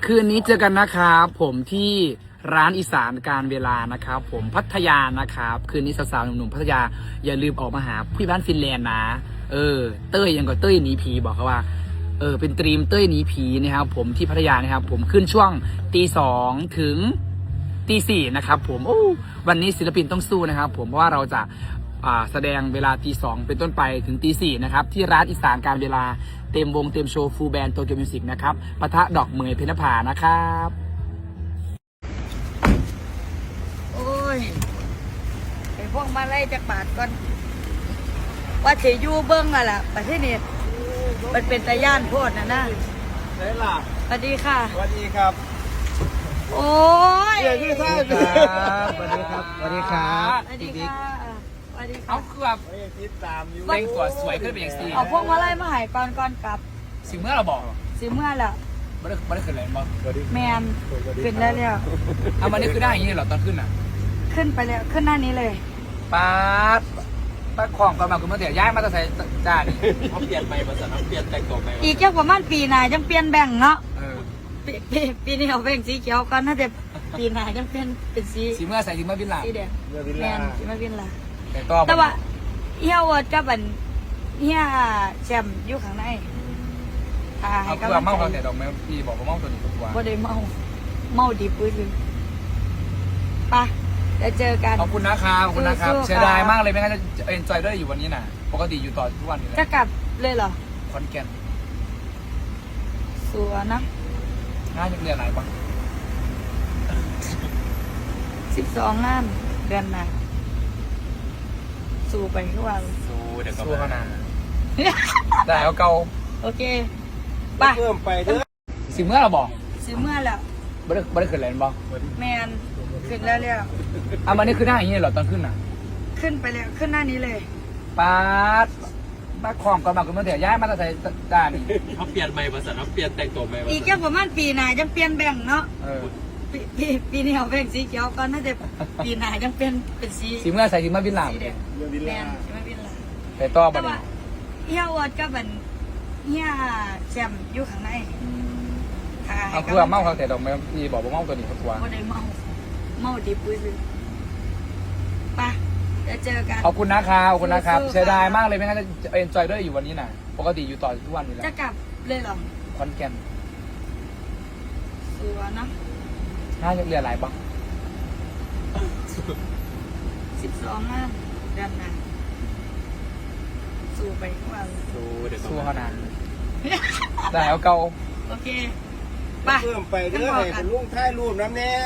คืนนี้เจอกันนะครับผมที่ร้านอีสานการเวลานะครับผมพัทยานะครับคืนนี้สาวๆหนุ่มๆพัทยาอย่าลืมออกมาหาพี่บ้านฟินแลนด์นะเต้ยยังก็เต้ยหนีผีบอกเขาว่าเป็นตรีมเต้ยหนีผีนะครับผมที่พัทยานะครับผมขึ้นช่วง2:00 ถึง4:00นะครับผมวันนี้ศิลปินต้องสู้นะครับผมเพราะว่าเราจะแสดงเวลา2:00เป็นต้นไปถึง4:00นะครับที่ร้านอีสานการเวลาเต็มวงเต็มโชว์ฟูลแบนด์โตเกียวมิวสิกนะครับปะทะดอกเหมยเพญนภานะครับโอ้ยไอ้พวกมาไล่จากบาทก่อนว่าเฉยยูเบิ้งอะล่ะประเทศนี้มันเป็นตะย่านโพดนะใช่ล่ะสวัสดีค่ะสวัสดีครับโอ้ยสวัสดีครับสวัสดีครับสวัสดีครับสวัสดีค่ะสวัสดีค่ะเอาคือแบบติดตามอยู่แต่งตัวสวยขึ้นเป็นอย่างสีเอาพวกมาไล่มาหายก่อนกลับสิเมื่อเราบอกสิเมื่อแล้วไม่ได้ขึ้นเลยมั้งแมนขึ้นได้แล้วเอามันนี่คือได้อย่างนี้เหรอตอนขึ้นอ่ะขึ้นไปแล้วขึ้นหน้านี้เลยป้าของก่อนมาคุณมาเดี๋ยวย้ายมาจะใส่จานเขาเปลี่ยนใหม่ภาษาเปลี่ยนแต่งตัวใหม่อีกแค่ประมาณปีหน้ายังเปลี่ยนแบ่งเนาะปีนี้เอาแบ่งสีเขียวก่อนน่าจะปีหน้ายังเปลี่ยนเป็นสีเมื่อใส่สีเมื่อบินหลังสีแดงแมนสีเมื่อบินหลังแต่ว่าเฮียวัดกับอันเฮียแชมป์อยู่ข้างในเอาคือเมาเขาแต่ดอกไม้พี่บอกว่าเมาตัวนี้ตัวบ่ได้เมาดีปุ้ยเลยปะจะเจอกันขอบคุณนะครับขอบคุณนะครับเสียดายมากเลยไม่งั้นจะเอ็นจอยได้อยู่วันนี้นะปกติอยู่ต่อทุกวันอยู่แล้วจะกลับเลยเหรอคอนแก่นสวยนะงานยังเรียนไหนบ้าง 12 งานเดือนหน้าสู้ไปทุกวันเดี๋ยวก็สู้เขานานได้เอาเก่าโอเคไปเพิ่มไปเด้อสิเมื่อเราบอกสิเมื่อแล้วไม่ได้ขึ้นเลยบอกแมนขึ้นแล้วเอามันนี่คือหน้าอย่างนี้เหรอตอนขึ้นอ่ะขึ้นไปแล้วขึ้นหน้านี้เลยป้าของก่อนมาคุณมาเดี๋ยวย้ายมาจะใส่จานเขาเปลี่ยนใหม่ภาษาเปลี่ยนแต่งตัวใหม่อีกแค่ประมาณปีหน้ายังเปลี่ยนแบ่งเนาะปีนี้เอาแบ่งสีเขียวก่อนน่าจะปีหน้ายังเป็นสีเมื่อใส่สีเมื่อบินหลังแมนสีเมื่อบินหลังแต่ต่อไปเฮียวัดกับอันเฮียแชมป์อยู่ข้างในเอาคือเมาเขาแต่ดอกไม้พี่บอกว่าเมาตัวนี้เขาตัวบ่ได้เมาดีปุ้ยเลยไปจะเจอกันขอบคุณนะครับขอบคุณนะครับเสียดายมากเลยไม่งั้นจะเอ็นจอยได้อยู่วันนี้นะปกติอยู่ต่อทุกวันอยู่แล้วจะกลับเลยเหรอคอนแก่นสวยนะน่าจะเรียนหลายบ้าง 12 งานเดือนหน้าสู้ไปทุกวันสู้เขานานได้เอาเก่าโอเคไปเพิ่มไปเด้อให้เป็นลุงท้ายรูปน้ำแน่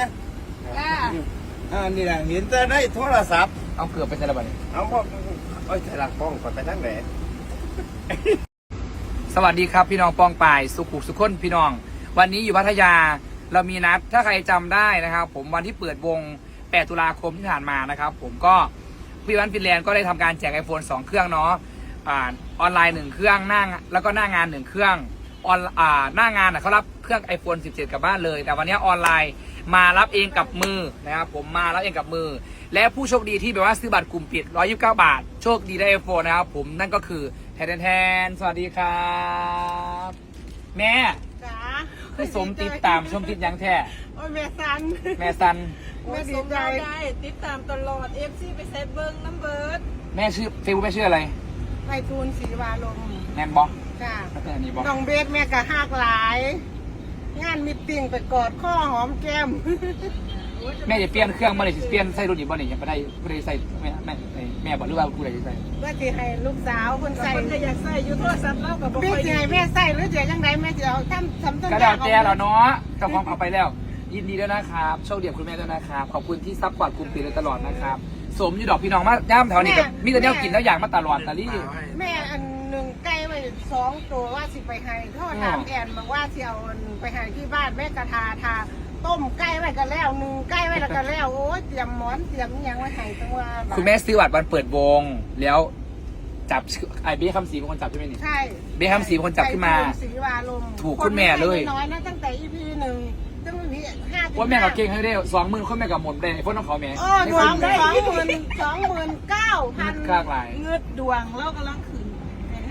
นี่แหละเห็นจะได้โทรศัพท์เอาเกือบไปใช่ระบาดเอาพ่อใส่หลักป้องก่อนไปทั้งไหนสวัสดีครับพี่น้องปองป่ายสุขุสุขคนพี่น้องวันนี้อยู่พัทยาเรามีนัดถ้าใครจำได้นะครับผมวันที่เปิดวง8 ตุลาคมที่ผ่านมานะครับผมก็พี่วันฟินแลนด์ก็ได้ทำการแจก iPhone 2 เครื่องเนาะออนไลน์1เครื่องแล้วก็หน้างาน1เครื่องหน้างานเขารับเครื่อง iPhone 17 กลับบ้านเลยแต่วันนี้ออนไลน์มารับเองกับมือนะครับผมมารับเองกับมือและผู้โชคดีที่แบบว่าซื้อบัตรกลุ่มปิด129 บาทโชคดีได้ iPhone นะครับผมนั่นก็คือแทนสวัสดีครับแม่จ๋าคือสมติดตามชมติดยังแท้โอ้ยแม่ซันแม่ดีใจได้ติดตามตลอดเอฟซีไปเซฟเบิ้งน้ำเบิร์ดแม่ชื่อเฟซบุ๊กแม่ชื่ออะไรไพฑูรย์ศรีวาลมแม่บอกจ้าน้องเบสแม่กะหักหลายงานมิตติ้งไปกอดข้อหอมแก้มแม่จะเปลี่ยนเครื่องมาเลยเปลี่ยนใส่รุ่นอีกบ่เนี่ยยังไม่ได้ผู้ใดใส่แม่บอกหรือว่าผู้ใดจะใส่ว่าจะให้ลูกสาวคนใส่จะอยากใส่ยูโทรศัพท์เล่ากับพี่จะให้แม่ใส่หรือจะยังไงแม่จะเอาทำต้นกระดาษแก้วเนาะกับความเอาไปแล้วยินดีด้วยนะครับโชคดีคุณแม่ด้วยนะครับขอบคุณที่ซัพพอร์ตกลุ่มปีเลยตลอดนะครับสมอยู่ดอกพี่น้องมาย่ามแถวนี้กับมีแต่เนี้ยกินแล้วอยากมาตลอดแต่ลี่แม่อันหนึ่งไก่ไป2 ตัวว่าสิไปให้ทอดถามแอนบอกว่าสิเอาไปให้ที่บ้านแม่กระทาต้มไก่ไว้กันแล้ว1ไก่ไว้แล้วกันแล้วโอ้ยเตรียมหมอนเตรียมยังไว้ให้ตัวคุณแม่ซื้อบัตรวันเปิดวงแล้วจับไอเบี้ยคำศรีเป็นคนจับใช่ไหมนี่ใช่เบี้ยคำศรีเป็นคนจับขึ้นมาถูกคุณแม่เลยน้อยนะตั้งแต่ EP 1ตั้งแต่ EP 5 ว่าแม่กับเก่งให้ได้20,000คนแม่กับหมดเลยพวกน้องเขาแม่ 29,000 ค่าหลายเงือดดวงแล้วกำลังขึ้น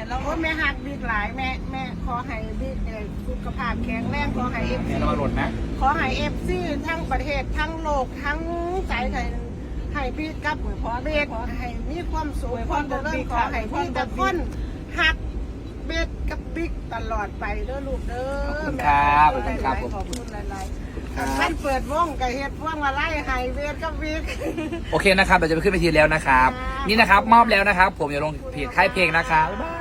เราโอ้แม่หักบิ๊กหลายแม่ขอให้บิ๊กสุขภาพแข็งแรงขอให้เอฟแม่ซีระวังหล่นนะขอให้เอฟซีทั้งประเทศทั้งโลกทั้งใจไทยให้บิ๊กกับขอเบกขอให้มีความสุขความเจริญขอให้พี่แต่คนหักเบกกับบิ๊กตลอดไปเด้อลูกเด้อขอบคุณครับขอบขคุณครับอบคุณหลายครับๆท่านเปิดวงกับเฮ็ดพวงมาไล่ให้เบกกับบิ๊กโอเคนะครับเราจะไปขึ้นเวทีแล้วนะครับครับนี่นะครับมอบแล้วนะครับ ผมอย่าลงเพจค่ายเพลงนะครับบ๊ายบาย